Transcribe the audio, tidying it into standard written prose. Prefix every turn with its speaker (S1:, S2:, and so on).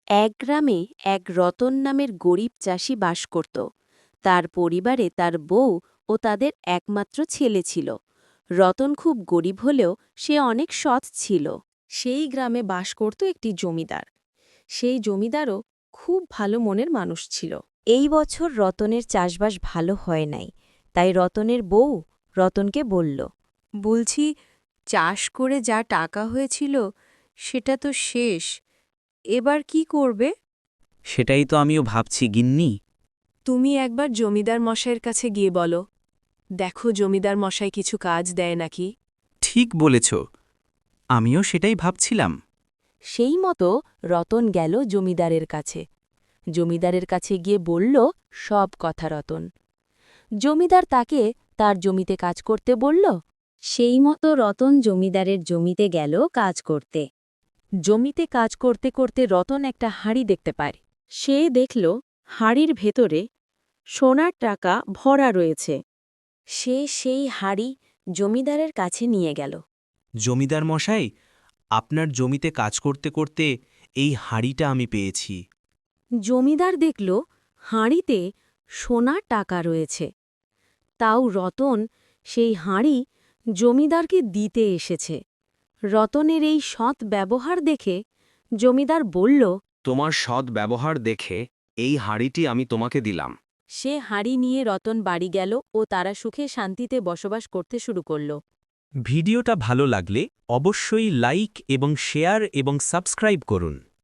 S1: এক গ্রামে এক রতন নামের গরিব চাষি বাস করত। তার পরিবারে তার বউ ও তাদের একমাত্র ছেলে ছিল। রতন খুব গরিব হলেও সে অনেক সৎ ছিল। সেই গ্রামে বাস করত একটি জমিদার। সেই জমিদারও খুব ভালো মনের মানুষ ছিল। এই বছর রতনের চাষবাস ভালো হয় নাই, তাই রতনের বউ রতনকে বলল, বলছি, চাষ করে যা টাকা হয়েছিল সেটা তো শেষ, এবার কি করবে?
S2: সেটাই তো আমিও ভাবছি গিন্নি।
S3: তুমি একবার জমিদার মশাইয়ের কাছে গিয়ে বলো, দেখো জমিদার মশাই কিছু কাজ দেয় নাকি।
S2: ঠিক বলেছ, আমিও সেটাই ভাবছিলাম।
S1: সেই মতো রতন গেল জমিদারের কাছে। জমিদারের কাছে গিয়ে বলল সব কথা রতন। জমিদার তাকে তার জমিতে কাজ করতে বলল। সেই মতো রতন জমিদারের জমিতে গেল কাজ করতে। জমিতে কাজ করতে করতে রতন একটা হাঁড়ি দেখতে পায়। সে দেখল হাঁড়ির ভেতরে সোনার টাকা ভরা রয়েছে। সে সেই হাঁড়ি জমিদারের কাছে নিয়ে গেল।
S2: জমিদার মশাই, আপনার জমিতে কাজ করতে করতে এই হাঁড়িটা আমি পেয়েছি।
S1: জমিদার দেখল হাঁড়িতে সোনার টাকা রয়েছে। তাও রতন সেই হাঁড়ি জমিদারকে দিতে এসেছে। রতনের এই সৎ ব্যবহার দেখে জমিদার বলল,
S4: তোমার সৎ ব্যবহার দেখে এই হাঁড়িটি আমি তোমাকে দিলাম।
S1: সে হাঁড়ি নিয়ে রতন বাড়ি গেল ও তারা সুখে শান্তিতে বসবাস করতে শুরু করল।
S2: ভিডিওটা ভালো লাগলে অবশ্যই লাইক এবং শেয়ার এবং সাবস্ক্রাইব করুন।